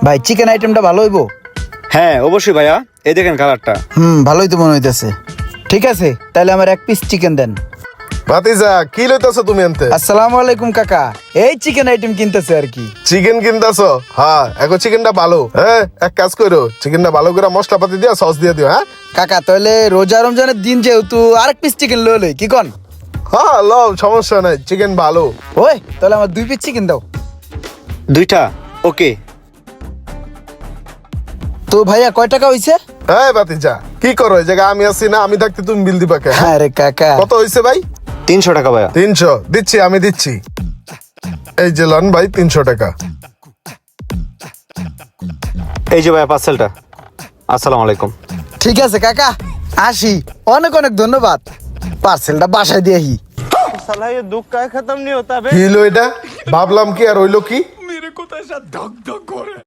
ভাই চিকেন আইটেমটা ভালো হইবো? হ্যাঁ অবশ্যই ভাইয়া, এই দেখেন কালারটা। ভালোই তো মনে হইতেছে। ঠিক আছে, তাহলে আমার এক পিস চিকেন দেন। ভাতিজা কি লইতাছো তুমি আনতে? আসসালামু আলাইকুম কাকা, এই চিকেন আইটেম কিনতেছে আর কি। চিকেন কিনতাছো? হ্যাঁ, এখন চিকেনটা ভালো। হ্যাঁ, এক কাজ করো, চিকেনটা ভালো করে মশলাপাতি দিয়া সস দিয়ে দিও। হ্যাঁ কাকা তাহলে রোজা রমজানের দিন যেহেতু আরেক পিস চিকেন লই কি কন? হ্যাঁ, লও, সমস্যা নাই, চিকেন ভালো। ওই তাহলে আমার 2 পিস চিকেন দাও। 2টা ওকে। তো ভাইয়া কয় টাকা হইছে? হ্যাঁ ভাতিজা, কি করো এই জায়গায়? আমি আছি না, আমি থাকতে তুমি বিল দিবা কে? হ্যাঁ? আরে কাকা, কত হইছে ভাই? 300 টাকা ভাইয়া। 300 দিচ্ছি, আমি দিচ্ছি। এই যে লন ভাই 300 টাকা। এই যে ভাইয়া পার্সেলটা। আসসালামু আলাইকুম। ঠিক আছে কাকা, আসি। অনেক অনেক ধন্যবাদ। পার্সেলটা বাসায় দিয়ে আহি। साला ये दुख का खत्म नहीं होता बे। কি হইলো এটা? ভাবলাম কি আর হইলো কি?